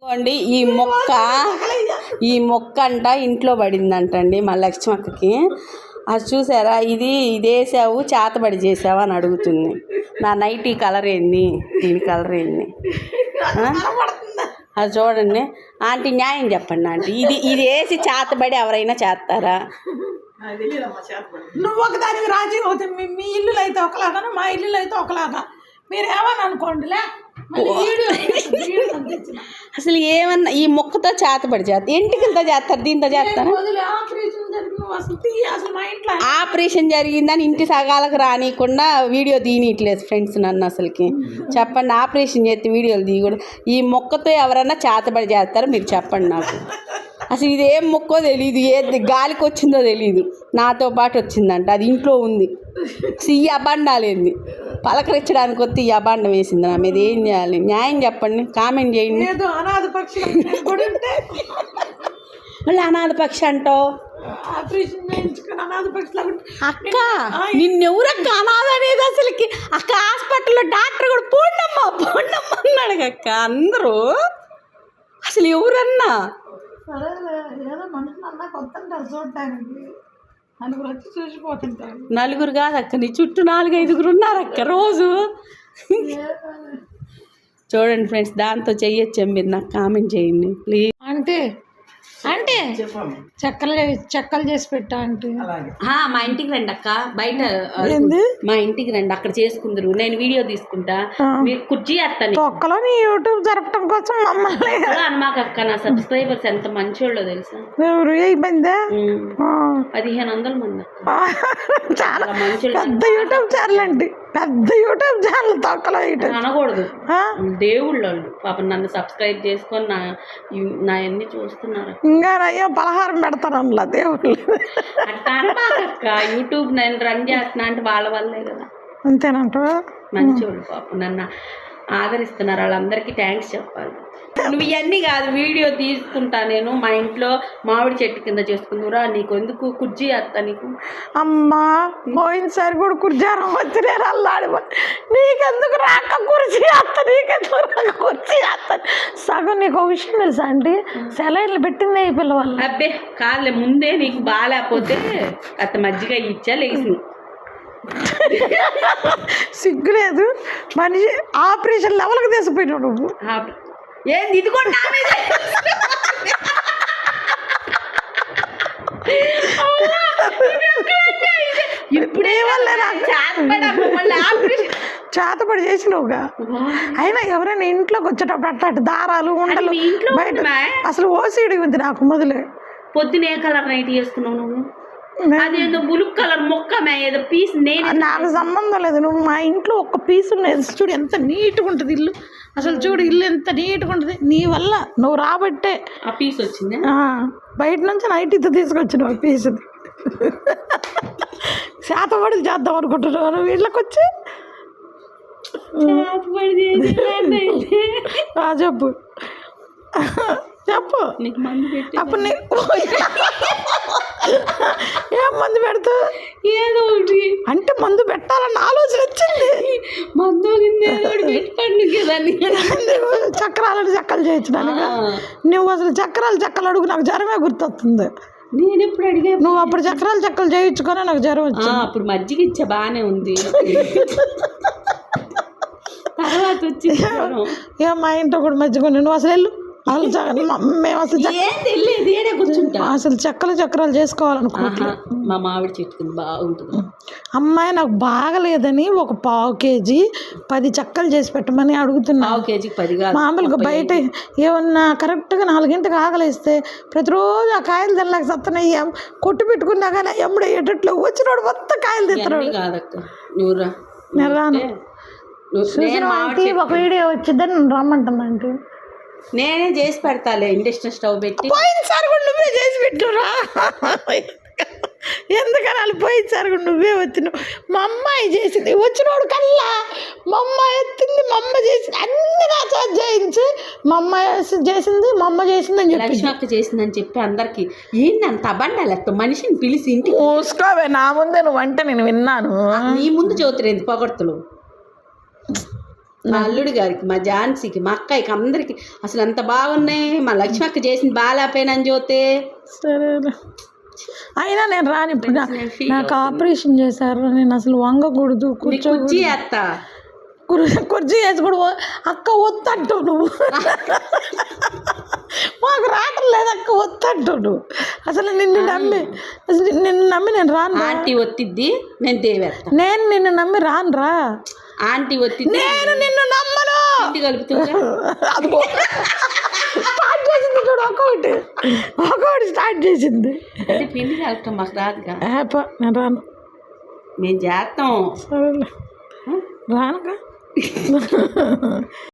అండి ఈ మొక్క అంట ఇంట్లో పడిందంటండి మా లక్ష్మక్కకి. అది చూసారా, ఇది వేసావు చేతబడి చేసావా అని అడుగుతుంది. నా నైటీ కలర్ ఏంది, దీని కలర్ ఏంది అది చూడండి. ఆంటీ న్యాయం చెప్పండి ఆంటీ, ఇది వేసి చేతబడి ఎవరైనా చేస్తారా? నువ్వు ఒకదానికి రాజీ అవుతుంది. మీ ఇల్లులు అయితే ఒకలాగా, మా ఇల్లులు అయితే ఒకలాగా. మీరు ఏమని అనుకోండిలే. అసలు ఏమన్నా ఈ మొక్కతో చేతబడి చేస్తారు, ఎంటికలతో చేస్తారు, దీంతో చేస్తారు. ఆపరేషన్ జరిగిందని ఇంటి సగాలకు రానియకుండా వీడియో తీయట్లేదు ఫ్రెండ్స్ నన్ను. అసలుకి చెప్పండి, ఆపరేషన్ చేస్తే వీడియోలు తీయకూడదు. ఈ మొక్కతో ఎవరన్నా చేతబడి చేస్తారో మీరు చెప్పండి నాకు. అసలు ఇది ఏం మొక్కో తెలియదు, ఏది గాలికి వచ్చిందో తెలియదు. నాతో పాటు వచ్చిందంట, అది ఇంట్లో ఉంది. ఈ అబండాలేంది పలకరించడానికి వస్తే ఈ అబాండం వేసింది నా మీద. ఏం చేయాలి, న్యాయం చెప్పండి, కామెంట్ చేయండి. మళ్ళీ అనాథ పక్షి అంటావు అక్క, నిన్నెవరక్క అనాథ అనేది అసలుకి? అక్క హాస్పిటల్లో డాక్టర్ కూడా పోండమ్మా అన్నాడు అక్క. అందరూ అసలు ఎవరన్నా నలుగురు కాదక్క, నీ చుట్టూ 4-5 ఉన్నారక్క రోజు. చూడండి ఫ్రెండ్స్, దాంతో చెయ్యొచ్చా మీరు? నాకు కామెంట్ చేయండి ప్లీజ్. అంటే చెక్కలు చేసి పెట్టా అంటే మా ఇంటికి రండి అక్క, బయట మా ఇంటికి రండి, అక్కడ చేసుకుందరు. నేను వీడియో తీసుకుంటా, మీరు కుర్చీ వేస్తాను. ఒక్కలో నీ యూట్యూబ్ జరపడం కోసం మమ్మల్ని అనమాకక్క. నా సబ్స్క్రైబర్స్ ఎంత మంచోళ్ళో తెలుసా? 1500 మంది. చాలా మంచోళ్ళు. పెద్ద యూట్యూబ్ ఛానల్ అండి, పెద్ద యూట్యూబ్ ఛానల్. తొక్కలో అనకూడదు, దేవుళ్ళు పాపం నన్ను సబ్స్క్రైబ్ చేసుకొని నా అన్ని చూస్తున్నారు. ఇంకా అయ్యో పలహారం పెడతాను అందులో దేవుళ్ళు. అట్లా యూట్యూబ్ నేను రన్ చేస్తున్నా అంటే వాళ్ళ వల్లే కదా. అంతేనంట. మంచోళ్ళు పాపం నన్ను ఆదరిస్తున్నారు, వాళ్ళందరికీ థ్యాంక్స్ చెప్పాలి. నువ్వు ఇవన్నీ కాదు, వీడియో తీసుకుంటా నేను. మా ఇంట్లో మామిడి చెట్టు కింద చేసుకుందురా, నీకు ఎందుకు కుర్చీ వేస్తా నీకు. అమ్మా పోయినసారి కూడా కుర్జారం వచ్చి నేను అల్లాడి, నీకెందుకు రాక కుర్చీ వేస్తా, నీకెందుకు రాక కుర్చీ వేస్తాను. సగం నీకు ఒక విషయం తెలుసా అండి, సెలైన్లు పెట్టిందే ఈ పిల్లవాళ్ళు. అబ్బే కాదులే, ముందే నీకు బాగాలేకపోతే అత్త మజ్జిగ ఇచ్చా లేచి. సిగ్గులేదు, మనిషి ఆపరేషన్ లెవెల్కి తీసిపోయినావు నువ్వు. ఏంది ఇది కూడా ఇప్పుడే చేతపడి చేసినవుగా. అయినా ఎవరైనా ఇంట్లోకి వచ్చేటప్పుడు అట్లాంటి దారాలు ఉండలు బయట అసలు ఓసీడి ఉంది నాకు మొదలే. పొద్దున ఏ కలర్ నైట్ చేసుకున్నావు నువ్వు? అదేదో బులుక్ కలర్ మొక్క ఏదో పీస్. నేను నాకు సంబంధం లేదు, నువ్వు మా ఇంట్లో ఒక పీస్ ఉన్నది. చూడు ఎంత నీట్గా ఉంటుంది ఇల్లు, అసలు చూడు ఇల్లు ఎంత నీట్గా ఉంటుంది. నీ వల్ల నువ్వు రాబట్టే ఆ పీస్ వచ్చింది. బయట నుంచి నైటీతో తీసుకొచ్చిన ఆ పీస్. శాతపడి చేద్దాం అనుకుంటున్నాను వీళ్ళకి వచ్చి. చెప్పు చెప్పు, అప్పుడు ఏం మందు పెడతా? ఏదో ఒకటి అంటే మందు పెట్టాలన్న ఆలోచన వచ్చింది. మందు చక్రాలని చెక్కలు చేయించడానికి. నువ్వు అసలు చెక్కలు అడుగు, నాకు జ్వరమే గుర్తొస్తుంది. నేను ఎప్పుడు అడిగా? నువ్వు అప్పుడు చెక్కలు చేయించుకొని నాకు జ్వరం వచ్చింది. అప్పుడు మజ్జిగ ఇచ్చా బాగానే ఉంది, తర్వాత వచ్చి మా ఇంట్లో కూడా మజ్జిగ. నువ్వు అసలు వెళ్ళు, మేము అసలు చక్రాలు చేసుకోవాలనుకుంటున్నాం. మా మామిడి చెట్టు బాగుంటుంది. అమ్మాయి నాకు బాగలేదని ఒక 1/2 కేజీ 10 చెక్కలు చేసి పెట్టమని అడుగుతున్నా. 1/2 కేజీకి 10 కాదు. మామూలుగా బయట ఏమన్నా కరెక్ట్గా 4 గంటలకు ఆకలిస్తే ప్రతిరోజు ఆ కాయలు తినలేక సత్తనయ్యి కొట్టు పెట్టుకున్నా కానీ ఎప్పుడు అయ్యేటట్లు వచ్చినోడు మొత్తం కాయలు తింటున్నాడు. నేను రాను. ఒక వీడియో వచ్చిందని నన్ను రమ్మంటుందంటే నేనే చేసి పెడతాలే, ఇండక్షన్ స్టవ్ పెట్టి. పోయినసారి కూడా నువ్వే చేసి పెట్టురా, ఎందుకని వాళ్ళు పోయినసారి కూడా నువ్వే వచ్చినావు. మా అమ్మాయి చేసింది, వచ్చినోడు కల్లా మా అమ్మాయి ఎత్తింది, మా అమ్మ చేసింది, అన్ని నా చేయించి మా అమ్మాయి చేసింది, మా అమ్మ చేసిందని చెప్పి లక్ష్మక్క చేసిందని చెప్పి అందరికి ఏంది అంత అబండాలి మనిషిని పిలిచి ఇంటికి. మూసుకోవే, నా ముందే నువ్వు అంటే నేను విన్నాను. నీ ముందు చదువుతురేంది పొగడ్తలు. మా అల్లుడి గారికి, మా ఝాన్సీకి, మా అక్కయ్యకి, అందరికి అసలు అంత బాగున్నాయి. మా లక్ష్మి అక్క చేసింది బాగాలేపోయినని చూస్తే. సరేలే, అయినా నేను రాను ఇప్పుడు. నాకు ఆపరేషన్ చేశారు, నేను అసలు వంగకూడదు, కుర్చీ అత్త కుర్చీ వేసి కూడా అక్క వద్దంటూ నువ్వు మాకు రావటం లేదు అక్క వద్దంటూ నువ్వు. అసలు నిన్ను నమ్మి నేను రాను. ఆంటీ ఒత్తిద్ది, నేను దేవేస్తా. నేను నిన్ను నమ్మి రాను రా. ఆంటీ ఒత్తిద్ది, నేను నిన్ను నమ్మను. ఇంటి కలుపుతుందా? స్టార్ట్ చేసింది చూడు, ఒక్కొక్కటి స్టార్ట్ చేసింది. అంటే పిండి కలపటం మాకు రాదుగా. నేను రాను. మేము చేస్తాం. సరేలే రానుగా.